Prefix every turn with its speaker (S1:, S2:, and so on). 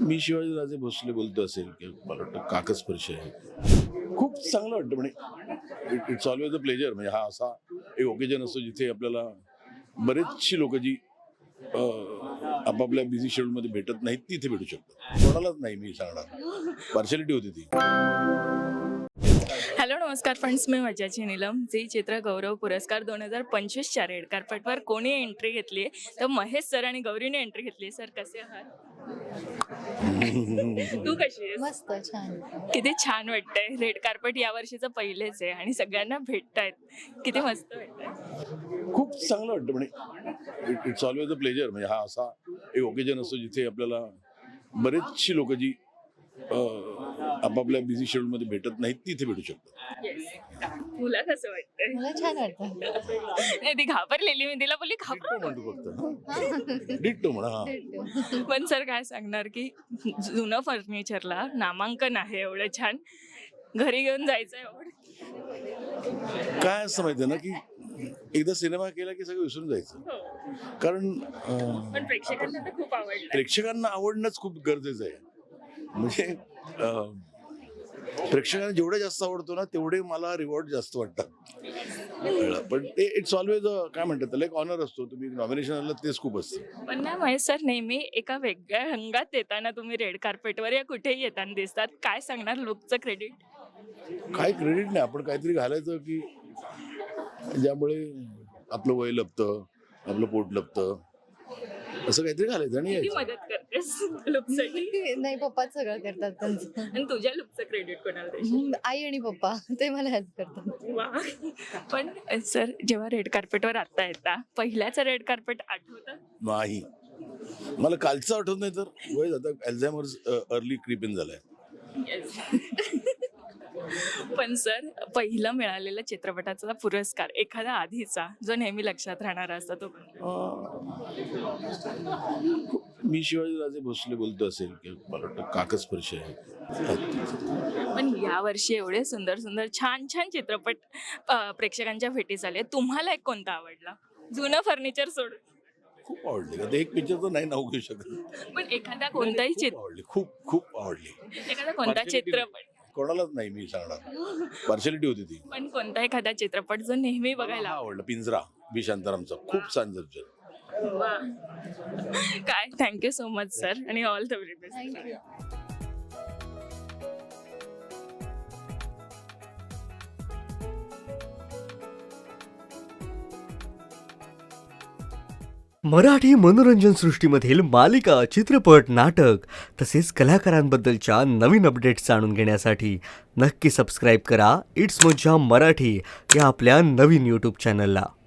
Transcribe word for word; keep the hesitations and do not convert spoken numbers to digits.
S1: मी शिवाजीराजे भोसले बोलतो असेल की मला वाटतं काकस्पर्श आहे. खूप चांगलं वाटतं म्हणजे it it's always a pleasure. म्हणजे हा असा एक ओकेजन असतो जिथे आपल्याला बरेचशी लोक जी अ, आपापल्या बिझी शेड्यूलमध्ये भेटत नाहीत ती इथे भेटू शकतात. कोणालाच नाही मी सांगणार, पार्शॅलिटी होती ती.
S2: हॅलो नमस्कार फ्रेंड्स, मी मज्जाची नीलम. झी चित्र गौरव पुरस्कार दोन हजार पंचवीसच्या रेड कार्पेटवर कोणी एंट्री घेतली आहे तर महेश सर आणि गौरीने एंट्री घेतली. सर कसे आहात? तू कशी आहेस?
S3: मस्त छान.
S2: किती छान वाटतंय. रेड कार्पेट या वर्षीचं पहिलेच आहे आणि सगळ्यांना भेटतायत. किती मस्त वाटतंय.
S1: खूप चांगलं वाटतं म्हणजे it it's always a pleasure. म्हणजे हा असा एक ओकेजन असतो जिथे आपल्याला बरेचशी लोक जी अ, आपापल्या बिझी शेड्यूलमध्ये भेटत नाहीत ती इथे भेटू शकतात.
S2: तुला कसं वाटतंय?
S3: मला छान वाटतं.
S2: नाही, ती घाबरलेली. मी तिला बोलली
S1: डिट्टो
S2: घाबर.
S1: म्हणतो फक्त. डिट्टो म्हणा. हा.
S2: पण सर काय सांगणार की जुनं फर्निचरला नामांकन आहे एवढं छान, घरी घेऊन जायचं एवढं.
S1: काय असं माहिती आहे ना की एकदा सिनेमा केला की सगळं विसरून जायचं. कारण अ,
S2: पण प्रेक्षकांना तर खूप आवडलं.
S1: प्रेक्षकांना आवडणंच खूप गरजेचं आहे. म्हणजे अ, प्रेक्षकांना जेवढं जास्त आवडतो ना तेवढे मला रिवॉर्ड जास्त वाटतात. कळलं? पण ते इट्स ऑलवेज काय म्हणतात त्याला एक ऑनर असतो. तुम्ही नॉमिनेशन आलं तेच खूप असतं.
S2: पण ना महेश सर, नेहमी एका वेगळ्या रंगात येताना तुम्ही रेड कार्पेटवर या कुठेही येताना दिसतात. काय सांगणार लुकचं क्रेडिट?
S1: काय क्रेडिट नाही, आपण काहीतरी घालायचं की ज्यामुळे आपलं वय लपतं, आपलं पोट लपतं, असं काहीतरी घालायचं आणि
S2: किती
S1: यायचं.
S2: मदत करतेस लुकसाठी?
S3: नाही, पप्पाच सगळं करतात त्यांचं.
S2: आणि तुझ्या लुकचं क्रेडिट कोणाला देशील?
S3: हम्म, आई आणि पप्पा ते मला हेल्प करतात.
S2: वा. पण सर, जेव्हा रेड कार्पेटवर आता येता, पहिल्याचं रेड कार्पेट आठवतं?
S1: नाही, मला कालचं आठवत नाही तर वय जातं. अल्झायमर्स अर्ली क्रीप इन झालाय.
S2: Yes. पण सर, पहिलं मिळालेला चित्रपटाचा पुरस्कार एखादा आधीचा जो नेहमी लक्षात राहणारा असतो तो कोणता?
S1: मी शिवाजीराजे भोसले बोलतो असेल की मला वाटतं काकस्पर्श आहे.
S2: पण यावर्षी एवढे सुंदर सुंदर छान छान चित्रपट अ, प्रेक्षकांच्या भेटीस आले. तुम्हाला एक कोणता आवडला? जुनं फर्निचर सोडून.
S1: खूप आवडली. आता एक पिक्चर तर नाही नाव घेऊ शकत.
S2: पण एखादा कोणताही
S1: खूप
S2: चित्र
S1: आवडली, खूप खूप आवडली.
S2: एखादा कोणता चित्रपट
S1: कोणालाच नाही मी सांगणार, पार्शॅलिटी होती ती.
S2: पण कोणता एखादा चित्रपट जो नेहमी बघायला
S1: हा आवडला, पिंजरा बी शांतारामचा. खूप छान दर्जन.
S2: आवडतो? वा. काय, थँक्यू सो मच सर आणि all the very best.
S3: Thank you.
S4: Marathi मनोरंजन सृष्टीमधील मालिका, चित्रपट, नाटक तसेच कलाकारांबद्दलच्या नवीन अपडेट्स जाणून घेण्यासाठी नक्की सबस्क्राईब करा इट्स मज्जा मराठी या आपल्या नवीन यूट्यूब चॅनलला.